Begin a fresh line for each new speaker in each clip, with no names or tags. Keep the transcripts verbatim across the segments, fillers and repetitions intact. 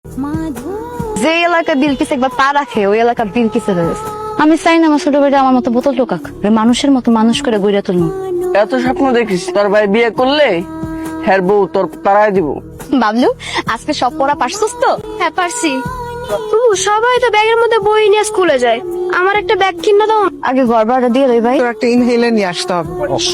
যে এলাকা বিলকিস একবার পা রাখে ওই এলাকা বিলকিস হয়ে গেছে। আমি চাই না আমার ছোট ভাইটা আমার মতো বোতল টোকাক, মানুষের মতো মানুষ করে গড়ে তুলবো।
এত স্বপ্ন দেখিস তোর ভাই বিয়ে করলে হ্যার বউ তোর তারাই দিব।
বাবলু আজকে সব পড়া পারছিস তো?
হ্যাঁ পারছি। সবাই তো ব্যাগের মধ্যে বই নিয়ে স্কুলে যায়, আমার একটা ব্যাগ কিনে দাও।
আগে ঘর ভাড়া দিয়ে দেই ভাই।
তোর একটা ইনহেলার নিয়ে আসতে হবে।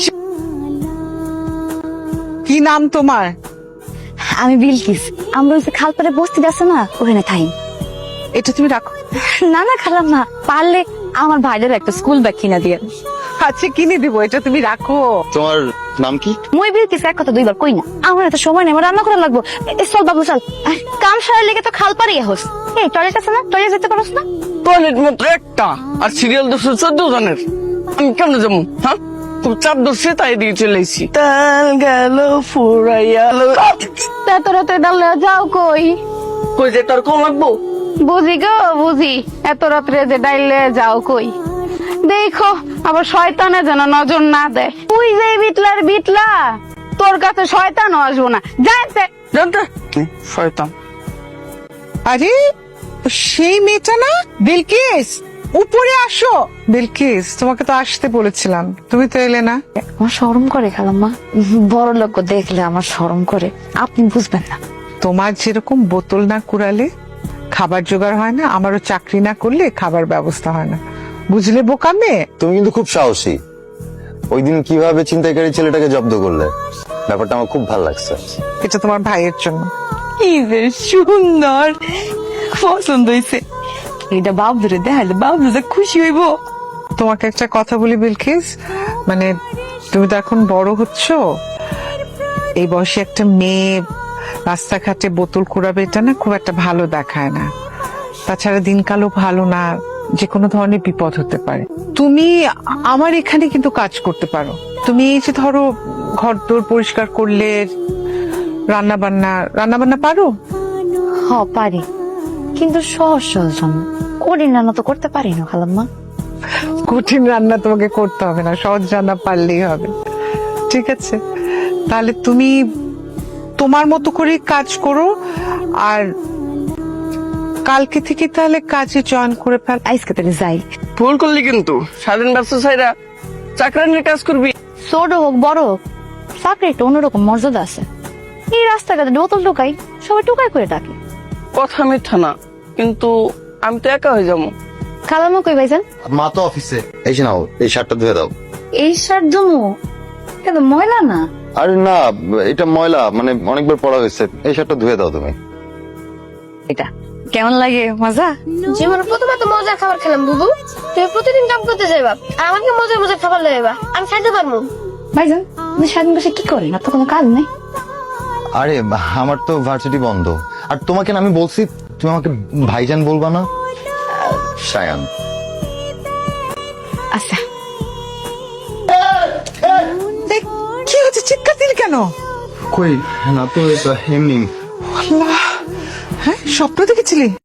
কি নাম তোমার?
আমি বিলকিস, আমরা ওই যে খালপাড়ে বস্তি আছে না ওখানে থাই।
এটা তুমি রাখো।
না না খারাপ না, পারলে আমার ভাইদের একটা স্কুল ব্যাগ কিনা দিয়ে।
আচ্ছা কিনে দিব, এটা তুমি রাখো।
তোমার নাম কি?
মই বিলকিস এক কথা দুইবার কই না, আমার এত সময় নেই, আমার রান্না করা লাগবো। এ, চল বাবু চল, আহ, কাম সারা লেগে তো খালপাড়ে হোস। এই টয়লেট আছে না, টয়লেট যেতে পারোস না?
টয়লেট মাত্র একটা আর সিরিয়াল দোষ চোদ্দ জনের, আমি কেমনে যাবো? হ্যাঁ খুব চাপ ধরছে তাই দিয়ে চলে এসেছি। তেল গেল ফুরাইয়া
এত রাতে ডালে যাও কই?
কই যে তোর কম লাগবো?
বুঝি গো বুঝি, এত রাত্রে যে ডাইলে যাও কই? দেখো আবার শয়তানে যেন নজর না দেয়। তুই যে বিটলার বিটলা, তোর কাছে শয়তানও আসবো না, জানতে
জানতে শয়তান।
আরে সেই মেয়েটা না বিলকিস, উপরে আসো। বিলকিস তোমাকে তো আসতে বলেছিলাম, তুমি তো এলে না।
আমার শরম করে খালাম্মা, বড় লোক দেখলে আমার শরম করে, আপনি বুঝবেন না।
তোমার যেরকম বোতল না কুড়ালে খাবার জোগাড় হয় না, আমারও চাকরি না করলে খাবার ব্যবস্থা হয় না, বুঝলে বোকা মেয়ে?
তুমি কিন্তু খুব সাহসী। ওই দিন কিভাবে ছিনতাইকারী ছেলেটাকে জব্দ করলে, ব্যাপারটা আমার খুব ভালো লাগছে।
এটা তোমার ভাইয়ের জন্য।
কি যে সুন্দর, পছন্দ হয়েছে। এটা বাবুরে দেখালে বাবু যে খুশি হইব।
তোমাকে একটা কথা বলি বিলকিস, মানে তুমি তো এখন বড় হচ্ছ, এই বয়সে একটা মেয়ে রাস্তাঘাটে বোতল কুড়াবে এটা না খুব একটা ভালো দেখায় না। তাছাড়া দিনকালও ভালো না, যে কোনো ধরনের বিপদ হতে পারে। তুমি আমার এখানে কিন্তু কাজ করতে পারো। তুমি এই যে ধরো ঘর দোর পরিষ্কার করলে, রান্না বান্না রান্না বান্না পারো?
হ পারি, কিন্তু সহজ সহজ রান্না করি না, তো করতে পারি না খালাম্মা।
কঠিন রান্না তোমাকে করতে হবে না, সহজ রান্না পারলেই হবে। ঠিক আছে, তাহলে তুমি তোমার মতো করে কাজ করো, আর কালকে থেকে তাহলে কাজে জয়েন করে ফেল।
আজকে তাহলে যাই।
ভুল করলি কিন্তু, স্বাধীন ব্যবসা ছাইরা চাকরি নিয়ে কাজ করবি।
ছোট হোক বড় হোক, চাকরি একটা অন্যরকম মর্যাদা আছে। এই রাস্তাঘাটে বোতল টোকাই, সবাই টোকাই করে ডাকে।
কথা মিথ্যা না, কিন্তু আমি তো একা হয়ে যাবো।
খালাম্মা কই ভাইজান?
মা তো অফিসে। এই যে নাও, এই শার্টটা ধুয়ে দাও।
এই শার্ট জমু কিন্তু ময়লা না।
আরে না, এটা ময়লা, মানে অনেকবার পড়া হয়েছে। এই শার্টটা ধুয়ে দাও তুমি।
এটা কেমন লাগে? মজা?
জীবনে প্রথমে তো মজার খাবার খেলাম বুবু, তুমি প্রতিদিন কাম করতে যাইবা আর আমাকে মজার মজার খাবার লাগাইবা, আমি খাইতে পারবো।
ভাইজান আপনি স্বাধীন বসে কি করেন? আপনার কোনো কাজ নেই?
আরে আমার তো ভার্সিটি বন্ধ, আর তোমাকে না আমি বলছি তুমি আমাকে ভাইজান বলবা না, শায়ান।
আচ্ছা
দেখ, কি হচ্ছে, চিৎকার দিলি কেন?
কই না তো, এমনি।
আল্লাহ, হ্যাঁ স্বপ্ন দেখেছিলি?